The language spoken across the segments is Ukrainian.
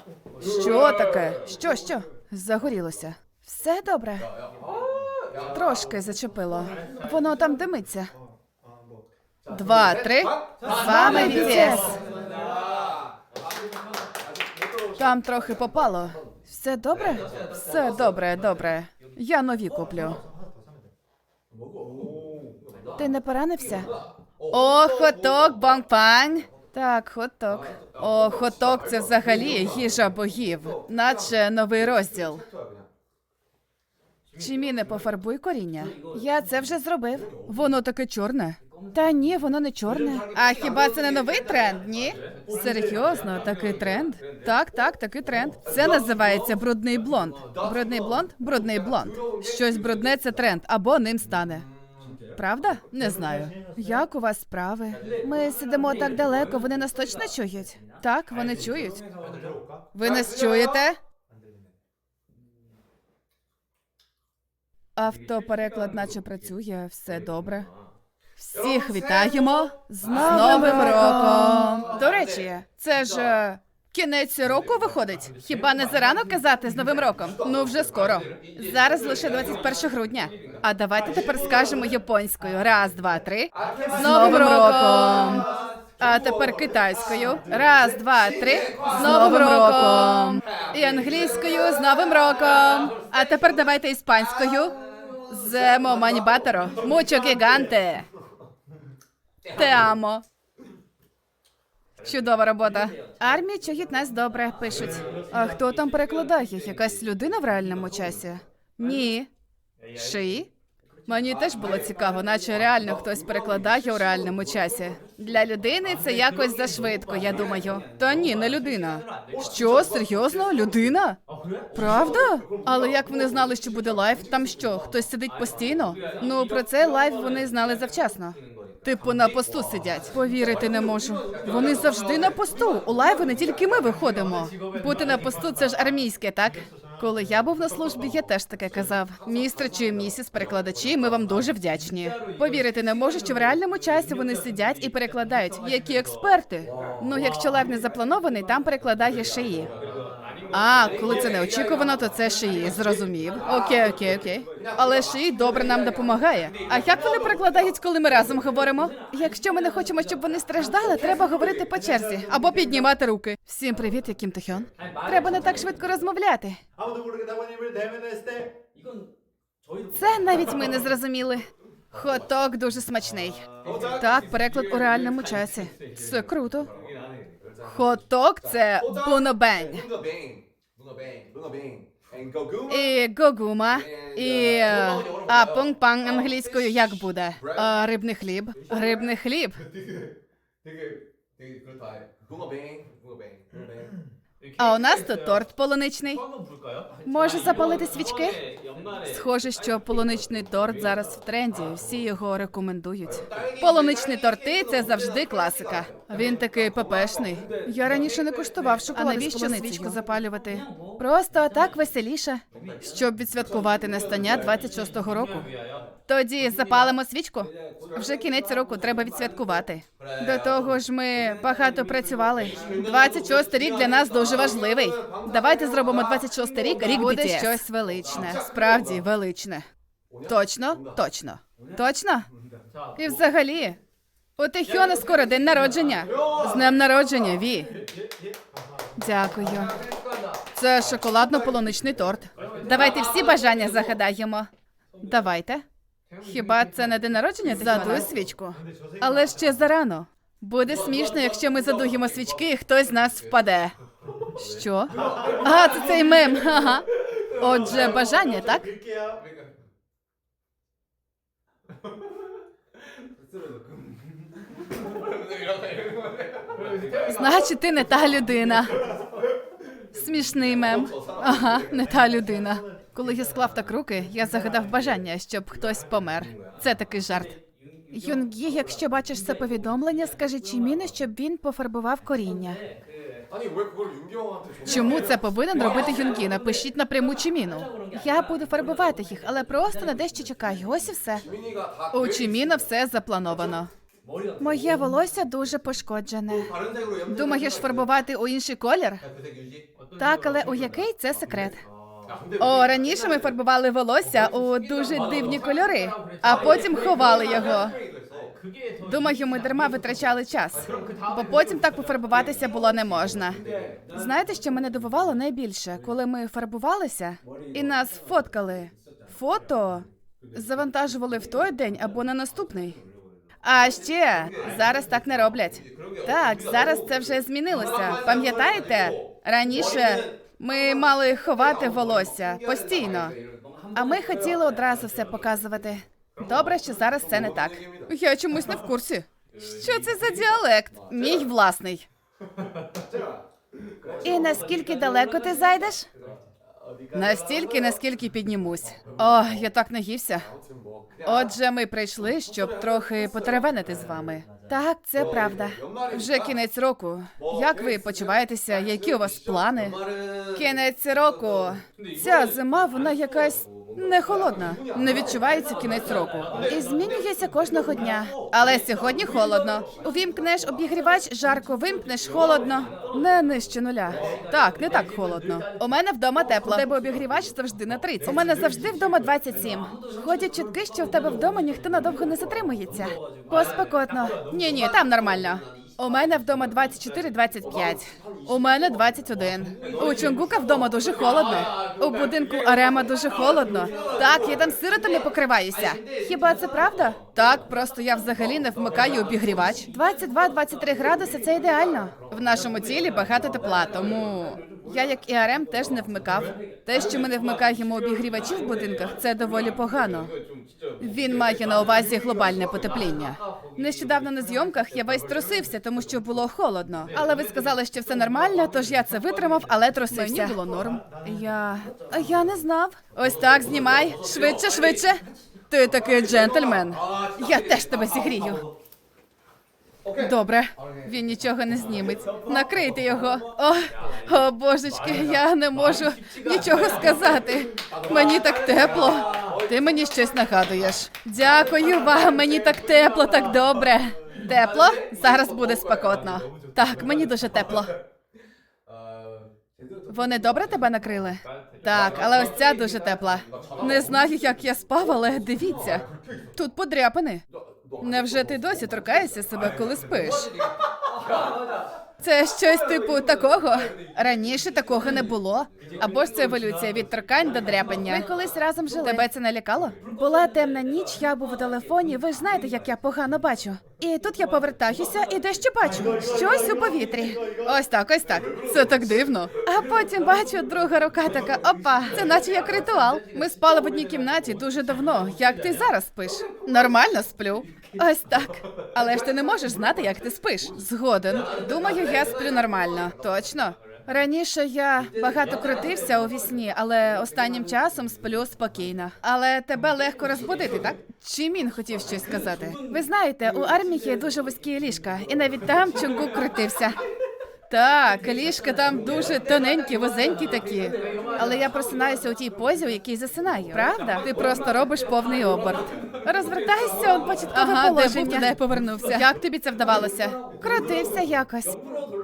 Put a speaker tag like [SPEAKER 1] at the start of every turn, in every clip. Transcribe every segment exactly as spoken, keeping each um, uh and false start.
[SPEAKER 1] Що таке? Що, що? Загорілося. Все добре? Трошки зачепило. Воно там димиться. Два, три. З вами бі ті ес. Там трохи попало. Все добре? Все добре, добре. Я нові куплю. Ти не поранився? О, хоток, бонг-пань. Так, хоток. О, хоток – це взагалі їжа богів. Наче новий розділ. Чимі, не пофарбуй коріння. Я це вже зробив. Воно таке чорне. Та ні, воно не чорне. А хіба це не новий тренд, ні? Серйозно, такий тренд? Так, так, такий тренд. Це називається брудний блонд. Брудний блонд? Брудний блонд. Щось брудне – це тренд, або ним стане. Правда? Не знаю. Як у вас справи? Ми сидимо так далеко, вони нас точно чують? Так, вони чують. Ви нас чуєте? Автопереклад наче працює, все добре. Всіх вітаємо з Новим роком! До речі, це ж е, кінець року виходить. Хіба не зарано казати з Новим роком? Ну, вже скоро. Зараз лише двадцять перше грудня. А давайте тепер скажемо японською. Раз, два, три. З Новим роком! А тепер китайською. Раз, два, три. З Новим роком! І англійською з Новим роком! А тепер давайте іспанською. Земо манібаторо. Мучо гіганте. Те амо. Чудова робота. Армія чують нас добре, пишуть. А хто там перекладає? Якась людина в реальному часі? Ні. Шиї? Мені теж було цікаво, наче реально хтось перекладає у реальному часі. Для людини це якось зашвидко, я думаю. Та ні, не людина. Що, серйозно? Людина? Правда? Але як вони знали, що буде лайв? Там що, хтось сидить постійно? Ну, про цей лайв вони знали завчасно. Типу на посту сидять. Повірити не можу. Вони завжди на посту. У лайви не тільки ми виходимо. Бути на посту – це ж армійське, так? Коли я був на службі, я теж таке казав. Містер чи місіс перекладачі, ми вам дуже вдячні. Повірити не можу, що в реальному часі вони сидять і перекладають. Які експерти? Ну, якщо лайв не запланований, там перекладає Шиї. А, коли це неочікувано, то це Шиї, зрозумів. Окей, окей, окей. Але Шиї добре нам допомагає. А як вони перекладають, коли ми разом говоримо? Якщо ми не хочемо, щоб вони страждали, треба говорити по черзі. Або піднімати руки. Всім привіт, я Кім Тохьон. Треба не так швидко розмовляти. Це навіть ми не зрозуміли. Хоток дуже смачний. Так, переклад у реальному часі. Це круто. Хоток – це бунобень. І гогума. І... е, А пунг-панг англійською як буде? А, рибний хліб. Рибний хліб. А у нас тут торт полуничний. Може запалити свічки? Схоже, що полуничний торт зараз в тренді, всі його рекомендують. Полуничні торти – це завжди класика. Він такий пепешний. Я раніше не куштував шоколад. А навіщо свічку запалювати? Просто так веселіше. Щоб відсвяткувати настання двадцять шостого року. Тоді запалимо свічку? Вже кінець року, треба відсвяткувати. До того ж ми багато працювали. двадцять шостий рік для нас дуже важливий. Давайте зробимо двадцять шостий рік рік бі ті ес. Буде щось величне. Справді величне. Точно? Точно. Точно? І взагалі, у Тохьона скоро день народження. З днем народження, Ві. Дякую. Це шоколадно-полуничний торт. Давайте всі бажання загадаємо. Давайте. Хіба це не день народження? Задуй свічку. Але ще зарано. Буде смішно, якщо ми задуємо свічки і хтось з нас впаде. Що? А, це цей мем. Ага. Отже, бажання, так? Значить, ти не та людина. Смішний мем. Ага, не та людина. Коли я склав так руки, я загадав бажання, щоб хтось помер. Це такий жарт. Юнгі, якщо бачиш це повідомлення, скажи Чіміну, щоб він пофарбував коріння. Чому це повинен робити Юнгі? Напишіть напряму Чіміну. Я буду фарбувати їх, але просто на дещо чекаю. Ось і все. У Чіміна все заплановано. Моє волосся дуже пошкоджене. Думаєш фарбувати у інший колір? Так, але у який – це секрет. О, раніше ми фарбували волосся у дуже дивні кольори, а потім ховали його. Думаю, ми дарма витрачали час, бо потім так пофарбуватися було не можна. Знаєте, що мене дивувало найбільше? Коли ми фарбувалися і нас фоткали. Фото завантажували в той день або на наступний. А ще зараз так не роблять. Так, зараз це вже змінилося. Пам'ятаєте? Раніше ми мали ховати волосся постійно, а ми хотіли одразу все показувати. Добре, що зараз це не так. Я чомусь не в курсі. Що це за діалект? Мій власний. І наскільки далеко ти зайдеш? Настільки, наскільки піднімусь. О, я так наївся. Отже, ми прийшли, щоб трохи потеревенити з вами. Так, це правда. Вже кінець року. Як ви почуваєтеся? Які у вас плани? Кінець року. Ця зима, вона якась не холодна. Не відчувається кінець року. І змінюється кожного дня. Але сьогодні холодно. Увімкнеш обігрівач, жарко, вимкнеш, холодно. Не нижче нуля. Так, не так холодно. У мене вдома тепло. У тебе обігрівач завжди на тридцять. У мене завжди вдома двадцять сім. Ходять чутки, що в тебе вдома ніхто надовго не затримується. Поспекотно. Ні-ні, там нормально. У мене вдома двадцять чотири - двадцять п'ять. У мене двадцять один. У Чонгука вдома дуже холодно. У будинку Арема дуже холодно. Так, я там сиротами покриваюся. Хіба це правда? Так, просто я взагалі не вмикаю обігрівач. двадцять два - двадцять три градуси – це ідеально. В нашому тілі багато тепла, тому я, як і Арем, теж не вмикав. Те, що ми не вмикаємо обігрівачі в будинках, це доволі погано. Він має на увазі глобальне потепління. Нещодавно на зйомках я весь трусився, тому що було холодно. Але ви сказали, що все нормально, тож я це витримав, але трусився. Мені було норм. Я... я не знав. Ось так, знімай. Швидше, швидше. Ти такий джентльмен. Я теж тебе зігрію. Добре, він нічого не зніметь. Накрийте його. О, о, божечки, я не можу нічого сказати. Мені так тепло. Ти мені щось нагадуєш. Дякую вам, мені так тепло, так добре. Тепло? Зараз буде спекотно. Так, мені дуже тепло. Вони добре тебе накрили? Так, але ось ця дуже тепла. Не знаю, як я спав, але дивіться. Тут подряпини. Невже ти досі торкаєшся себе, коли спиш? Це щось типу такого? Раніше такого не було. Або ж це еволюція від торкань до дряпання. Ми колись разом жили. Тебе це налякало? Була темна ніч, я був у телефоні, ви ж знаєте, як я погано бачу. І тут я повертаюся і дещо бачу. Щось у повітрі. Ось так, ось так. Це так дивно. А потім бачу, друга рука така, опа, це наче як ритуал. Ми спали в одній кімнаті дуже давно. Як ти зараз спиш? Нормально сплю. Ось так. Але ж ти не можеш знати, як ти спиш. Згоден. Думаю, я сплю нормально. Точно? Раніше я багато крутився у вісні, але останнім часом сплю спокійно. Але тебе легко розбудити, так? Чи Мін хотів щось сказати? Ви знаєте, у армії дуже вузькі ліжка, і навіть там Чонгук крутився. Так, ліжка там дуже тоненькі, вузенькі такі. Але я просинаюся у тій позі, у якій засинаю. Правда? Ти просто робиш повний оберт. Розвертайся, он початкове ага, положення. Ага, де був, туди я повернувся. Як тобі це вдавалося? Крутився якось.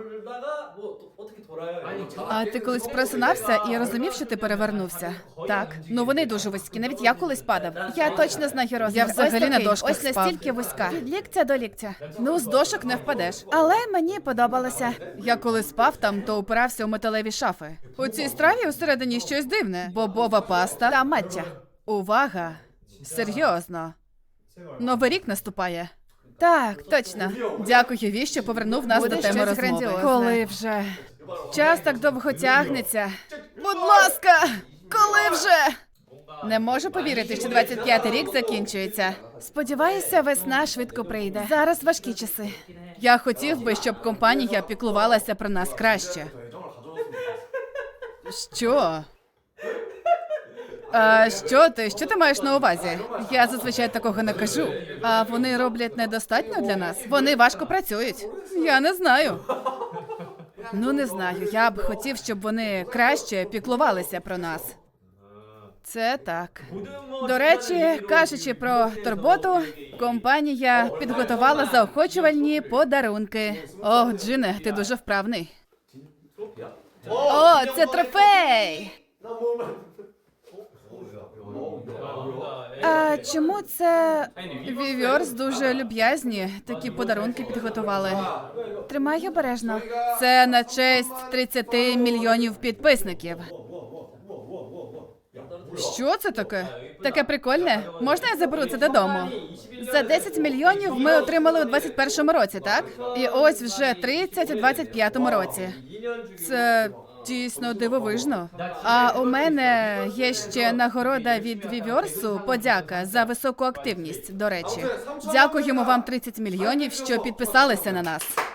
[SPEAKER 1] А ти колись просинався і розумів, що ти перевернувся? Так. Ну вони дуже вузькі, навіть я колись падав. Я точно знаю розмір. Я взагалі на дошках спав. Ось настільки вузька. Від ліктя до ліктя. Ну, з дошок не впадеш. Але мені подобалося. Я коли спав там, то упирався у металеві шафи. У цій страві усередині щось дивне. Бобова паста та маття. Увага! Серйозно. Новий рік наступає. Так, точно. Дякую, Ві, що повернув нас буде до теми розмови. Коли вже? Час так довго тягнеться. Будь ласка, коли вже? Не можу повірити, що двадцять п'ятий рік закінчується. Сподіваюся, весна швидко прийде. Зараз важкі часи. Я хотів би, щоб компанія піклувалася про нас краще. Що? А що ти? Що ти маєш на увазі? Я зазвичай такого не кажу. А вони роблять недостатньо для нас? Вони важко працюють. Я не знаю. Ну, не знаю. Я б хотів, щоб вони краще піклувалися про нас. Це так. До речі, кажучи про турботу, компанія підготувала заохочувальні подарунки. О, Джине, ти дуже вправний. О, це трофей! А чому це Віверс дуже люб'язні такі подарунки підготували? Тримай обережно. Це на честь тридцяти мільйонів підписників. Що це таке? Таке прикольне? Можна я заберу це додому? За десять мільйонів ми отримали у двадцять першому році, так? І ось вже тридцять у двадцять п'ятому році. Це дійсно дивовижно. А у мене є ще нагорода від Віверсу, подяка за високу активність, до речі. Дякуємо вам тридцять мільйонів, що підписалися на нас.